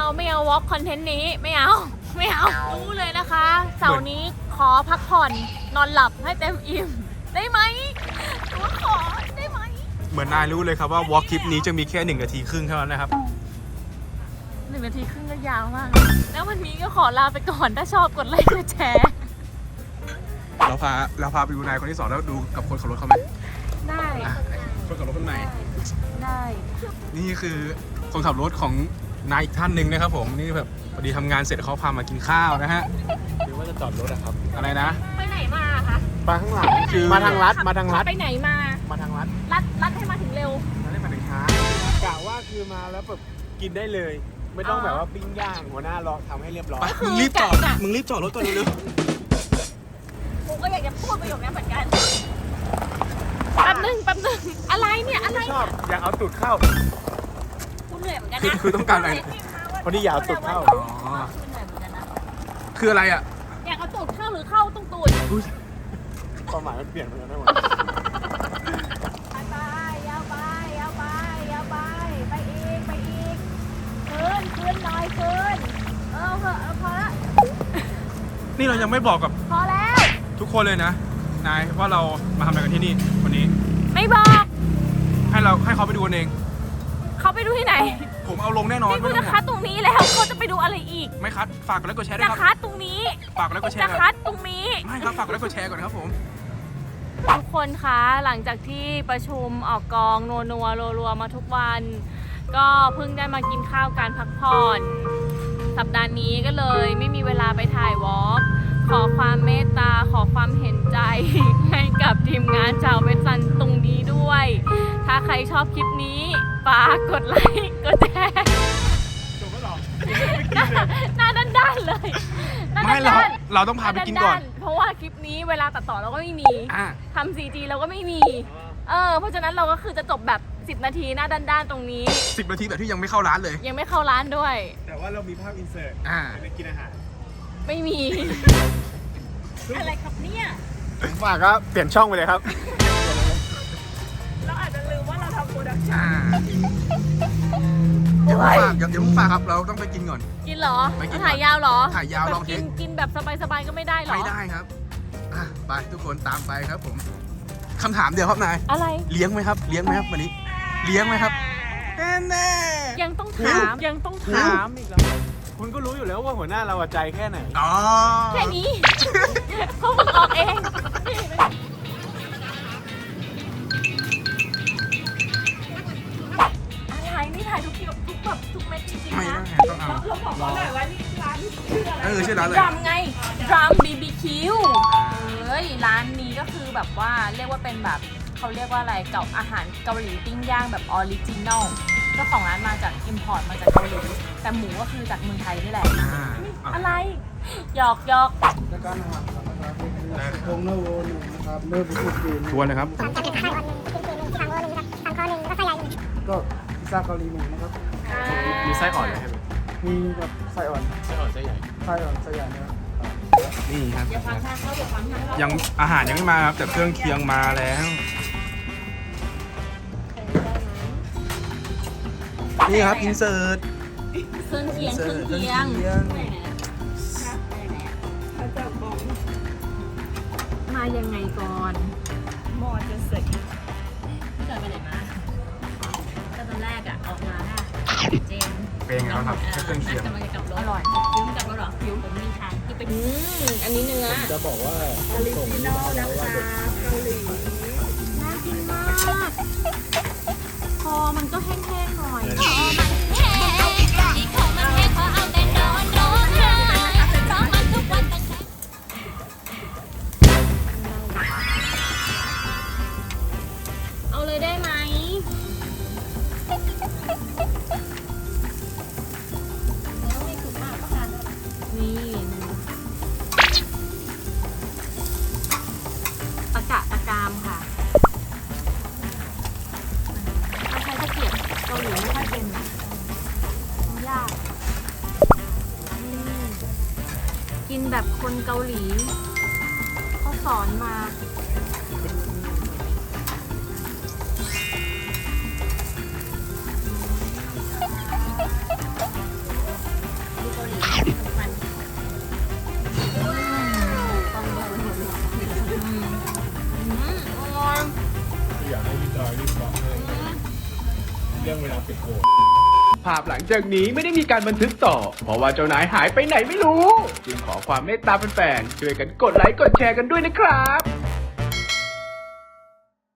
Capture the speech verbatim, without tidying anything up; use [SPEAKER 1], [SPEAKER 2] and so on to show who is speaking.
[SPEAKER 1] ไม่เอาวอล์กคอนเทนต์นี้ไม่เอาไม่เอารู้เลยนะคะเสาร์นี้ขอพักผ่อนนอนหลับให้เต็มอิ่มได้ไหมตัวขอได้ไหม
[SPEAKER 2] เหมือนนายรู้เลยครับว่าวอล์กคลิปนี้จะมีแค่หนึ่งนาทีครึ่งเท่านั้นนะครับ
[SPEAKER 1] หนึ่งนาทีครึ่งก็ยาวมากแล้ววันนี้ก็ขอลาไปก่อนถ้าชอบกดไลค์กดแชร์
[SPEAKER 2] เราพาเราพาไปดูนายคนที่สองแล้วดูกับคนขับรถเขาไหม
[SPEAKER 1] ได้
[SPEAKER 2] คนขับรถคนไหน
[SPEAKER 1] ได้
[SPEAKER 2] นี่คือคนขับรถของนายอีกท่านหนึ่งนะครับผมนี่แบบพอดีทำงานเสร็จเขาพามากินข้าวนะฮะหรือว่าจะจอดรถนะครับอะไรนะ
[SPEAKER 1] ไปไหนมาคะ
[SPEAKER 2] มาข้างหลังคือมาทางลัดมาทางลัด
[SPEAKER 1] ไปไหนมา
[SPEAKER 2] มาทางลัด
[SPEAKER 1] ลัดลัดให้มาถึงเร็ว
[SPEAKER 2] ลัดให้มาถึงช้ากะว่าคือมาแล้วแบบกินได้เลยไม่ต้องแบบว่าปิ้งย่างหัวหน้ารอทำให้เรียบร้อยมึงรีบจอดมึงรีบจอดรถก่อนเร็ว
[SPEAKER 1] ๆกูก็อยากจะพูดประโยคนี้เหมือนกันแป๊บนึงแป๊บนึงอะไรเนี่ยอะไร
[SPEAKER 2] ชอบอยากเอาตูดเข้า
[SPEAKER 1] กูเหนื่อยเหมือนกันนะ
[SPEAKER 2] คือต้องการอะไรพอดีอยากเอาตูดเข้าอ๋อคืออะไรอ่ะ
[SPEAKER 1] อยากเอาตูดเข้าหรือเข้าต้องตูด
[SPEAKER 2] ความหมายมันเปลี่ยนไปแล้วนะวะ
[SPEAKER 1] ไปยาวไปยาวไปยาวไปไปอีกไปอีกขึ้นขึ้นหน่อยขึ้นเออเออพอละ
[SPEAKER 2] นี่เรายังไม่บอกกับ
[SPEAKER 1] พอแล้ว
[SPEAKER 2] ทุกคนเลยนะนายว่าเรามาทำอะไรกันที่นี่วันนี้
[SPEAKER 1] ไม่บอก
[SPEAKER 2] ให้เราให้เขาไปดูเอง
[SPEAKER 1] เขาไปดูที่ไหน
[SPEAKER 2] ผมเอาลงแน่นอน
[SPEAKER 1] นี่คุณจะคัดตรงนี้แล้วเขาจะไปดูอะไรอีก
[SPEAKER 2] ไม่คัดฝากกดไลค์กดแชร์ด้วยครับ
[SPEAKER 1] จะคัดตรงนี้
[SPEAKER 2] ฝากกดไลค์กดแชร์
[SPEAKER 1] จะคัดตรงนี้
[SPEAKER 2] ไม่ครับฝากกดไลค์กดแชร์ก่อนครับผม
[SPEAKER 1] ทุกคนคะหลังจากที่ประชุมออกกองนัวนัวรัวๆมาทุกวันก็เพิ่งได้มากินข้าวการพักผ่อนสัปดาห์นี้ก็เลยไม่มีเวลาไปถ่ายวอล์กขอความเมตตาขอความเห็นใจให้กับทีมงานชาวเวสซันตรงนี้ด้วยถ้าใครชอบคลิปนี้ฝากกดไลค์กดแชร์
[SPEAKER 2] จบแล้วหรอ
[SPEAKER 1] หน้าด้านๆเลย
[SPEAKER 2] ไม่เราเราต้องพาไปกินก่อน
[SPEAKER 1] เพราะว่าคลิปนี้เวลาตัดต่อเราก็ไม่มีทำ ซี จี เราก็ไม่มีเออเพราะฉะนั้นเราก็คือจะจบแบบสิบนาทีหน้าด้านๆตรงนี้
[SPEAKER 2] สิบนาทีแบบที่ยังไม่เข้าร้านเลย
[SPEAKER 1] ยังไม่เข้าร้านด้วย
[SPEAKER 2] แต่ว่าเรามีภาพอินเสิร์ตอ่าไปกินอาหาร
[SPEAKER 1] ไม่มีอะไรครับเนี่ย
[SPEAKER 2] ผมฝากก็เปลี่ยนช่องไปเลยครับ
[SPEAKER 1] เราอาจจะลืมว่าเราทำโปรดักชั่น
[SPEAKER 2] เดี๋ยวฝากเดี๋ยวฝากครับเราต้องไปกินก่อน
[SPEAKER 1] กินเหรอถ่ายยาวเหรอ
[SPEAKER 2] ถ่ายยาวลองเท
[SPEAKER 1] กินกินแบบสบายๆก็ไม่ได้หรอ
[SPEAKER 2] ไม่ได้ครับอ่ะไปทุกคนตามไปครับผมคำถามเดียวครับนาย
[SPEAKER 1] อะไร
[SPEAKER 2] เลี้ยงไหมครับเลี้ยงไหมครับวันนี้เลี้ยงไหมครับแน่
[SPEAKER 1] ยังต้องถามยังต้องถามอีกแล้ว
[SPEAKER 2] คุณก็รู้อยู่แล้วว่าหัวหน้าเราใจแค่ไหนอ๋อ
[SPEAKER 1] แค่นี้เพราะมึงออกเองอะไรนี่ถ่ายทุกคลิปทุกแบบทุกเม็ดจริงๆนะเราบอกเขาหน่อยว่านี่ร้านชื่ออะไร
[SPEAKER 2] เออชื่อร้านอะไร
[SPEAKER 1] ดรัมไงดรัม บี บี คิว เฮ้ยร้านนี้ก็คือแบบว่าเรียกว่าเป็นแบบเขาเรียกว่าอะไรเก่าอาหารเกาหลีปิ้งย่างแบบออริจินอลเจ้าของร้านมาจากอิมพอร์ตมาจากเกาหลีแต่หมูก็คือจากเมืองไทยนี่แหละอะไรหยอกหยอก
[SPEAKER 3] แล้วก็นะครับโค้งเนื้อโวหนึ่งนะครับเนื้อบุกจีน
[SPEAKER 2] ทวนนะครับ
[SPEAKER 3] ก็พิซซ่าเกาหลีหนึ่งนะครับ
[SPEAKER 2] มีไส้อ่อนไหมครับ
[SPEAKER 3] มีแบบไส้อ่อน
[SPEAKER 2] ไส้อ่อนไส้ใหญ่
[SPEAKER 3] ไส้อ่อนไส้ใหญ่นะครับ
[SPEAKER 2] นี่ครับยังอาหารยังไม่มาครับแต่เครื่องเคียงมาแล้วนี่ครับอินเสิร์ต
[SPEAKER 1] เครื่องเคียงเครื่องเคียงมายังไงก่อนหมอจะเสร็จเกิดไปไหนมาก็ตอนแรกอะออกมาเจน
[SPEAKER 2] เป็นไงครับเครื่องเคียง
[SPEAKER 1] อร่อยยิ้มกับรถหรอยิ้มผมมีทางที่เป็นอืมอันนี้เนื้อ
[SPEAKER 3] จะบอกว่า
[SPEAKER 1] ออริจินอลนะคะเกาหลีน่ากินมากพอมันก็แห้งๆหน่อยเอาเลยได้ไหมนี่ตะกะตะกามค่ะถ้าใช้ตะเกียบเกาหลีไม่ค่อยเป็นนะยากกินแบบคนเกาหลีเขาสอนมา
[SPEAKER 2] เรื่องเวลาปิดโก
[SPEAKER 4] ภาพหลังจากนี้ไม่ได้มีการบันทึกต่อ เพราะว่าเจ้านายหายไปไหนไม่รู้ จึงขอความเมตตาแฟนๆช่วยกันกดไลค์กดแชร์กันด้วยนะครับ